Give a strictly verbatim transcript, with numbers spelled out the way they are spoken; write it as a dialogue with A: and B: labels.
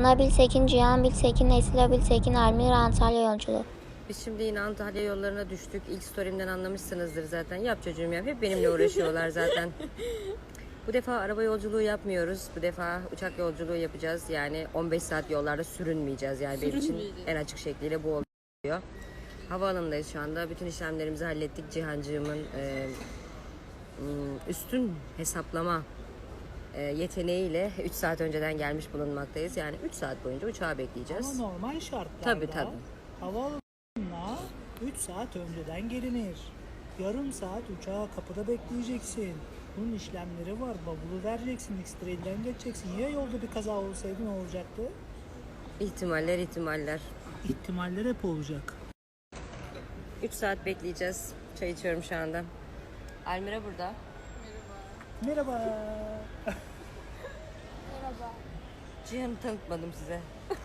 A: Nabil Sekin, Cihan Bilsekin, Nesila Bilsekin, Almira Antalya yolculuğu.
B: Biz şimdi yine Antalya yollarına düştük. İlk story'imden anlamışsınızdır zaten. Yap çocuğum yap. Hep benimle uğraşıyorlar zaten. Bu defa araba yolculuğu yapmıyoruz. Bu defa uçak yolculuğu yapacağız. Yani on beş saat yollarda sürünmeyeceğiz. Yani benim için en açık şekliyle bu oluyor. Havaalanındayız şu anda. Bütün işlemlerimizi hallettik. Cihancığımın e, üstün hesaplama e, yeteneğiyle üç saat önceden gelmiş bulunmaktayız. Yani üç saat boyunca uçağı bekleyeceğiz.
C: Ama normal şartlarda
B: Tabii tabii.
C: havaalanına üç saat önceden gelinir. Yarım saat uçağı kapıda bekleyeceksin. Bunun işlemleri var. Bavulu vereceksin, X-Trail'den geçeceksin. Ya yolda bir kaza olsaydı ne olacaktı?
B: İhtimaller ihtimaller.
C: İhtimaller hep olacak.
B: üç saat bekleyeceğiz. Çay içiyorum şu anda. Almira burada.
C: Merhaba.
B: Cihan'ı tanıtmadım size.